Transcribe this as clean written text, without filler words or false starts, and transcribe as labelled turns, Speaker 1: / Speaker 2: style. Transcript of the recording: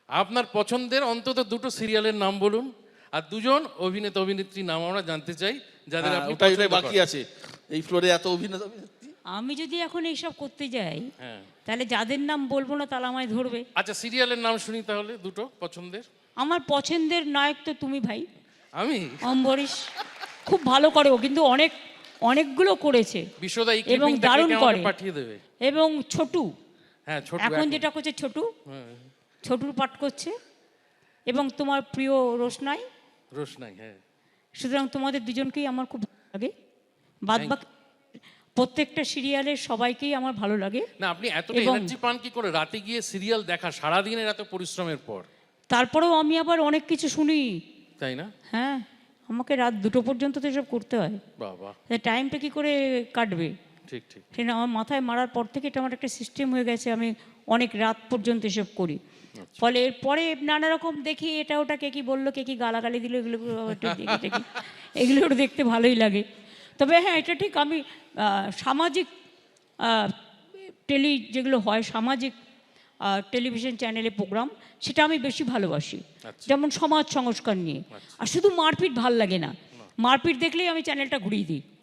Speaker 1: আপনার পছন্দের অন্তত দুটো সিরিয়ালের নাম বলুন, আর দুজন অভিনেতা অভিনেত্রীর নাম আমরা জানতে চাই যাদের আপনি
Speaker 2: ওটাই
Speaker 1: পছন্দ
Speaker 2: বাকি
Speaker 1: করেন।
Speaker 2: আছে এই ফ্লোরে এত অভিনেতা অভিনেত্রী।
Speaker 3: আমি যদি এখন এইসব করতে যাই
Speaker 1: হ্যাঁ,
Speaker 3: তাহলে যাদের নাম বলবো না তাহলে আমায় ধরবে।
Speaker 1: আচ্ছা সিরিয়ালের নাম শুনি তাহলে দুটো পছন্দের।
Speaker 3: আমার পছন্দের নায়ক তো তুমি ভাই,
Speaker 1: আমি
Speaker 3: অম্বরীশ। খুব ভালো করে ও, কিন্তু অনেকগুলো করেছে
Speaker 1: বিশ্বদা এই
Speaker 3: এবং
Speaker 1: ক্লিপিংটা
Speaker 3: দারুণ
Speaker 1: কেটে আমাকে
Speaker 3: করে।
Speaker 1: পাঠিয়ে দেবে।
Speaker 3: এবং ছোটু
Speaker 1: হ্যাঁ ছোট
Speaker 3: এখন যেটা করছে,
Speaker 1: হ্যাঁ,
Speaker 3: ছোটুর পাঠ করছে। এবং তোমার প্রিয় রোশনাই।
Speaker 1: রোশনাই, হ্যাঁ।
Speaker 3: সুতরাং তোমাদের দুজনকেই আমার খুব ভালো লাগে। বাদ বাকি প্রত্যেকটা সিরিয়ালের সবাইকেই আমার ভালো লাগে।
Speaker 1: না আপনি এতটা
Speaker 3: এবং
Speaker 1: এনার্জি পান কি করে রাতে গিয়ে সিরিয়াল দেখা সারাদিনের এত পরিশ্রমের পর?
Speaker 3: তারপরেও আমি আবার অনেক কিছু শুনি,
Speaker 1: তাই না?
Speaker 3: হ্যাঁ। আমাকে রাত 2টো পর্যন্ত তো এসব করতে হয়,
Speaker 1: বাবা,
Speaker 3: টাইমটা কি করে কাটবে?
Speaker 1: ঠিক ঠিক।
Speaker 3: সেটা আমার মাথায় মারার পর থেকে এটা আমার একটা সিস্টেম হয়ে গেছে, আমি অনেক রাত পর্যন্ত এসব করি। ফলে এরপরে নানা রকম দেখি, এটা ওটা কে কী বললো, কে কী গালাগালি দিল, এগুলো একটু দেখি এগুলো একটু দেখতে ভালোই লাগে। তবে হ্যাঁ, এটা ঠিক, আমি সামাজিক যেগুলো হয় সামাজিক টেলিভিশন চ্যানেলে প্রোগ্রাম, সেটা আমি বেশি ভালোবাসি। যেমন সমাজ সংস্কার নিয়ে। আর শুধু মারপিট ভাল লাগে না, মারপিট দেখলেই আমি চ্যানেলটা ঘুরিয়ে দিই।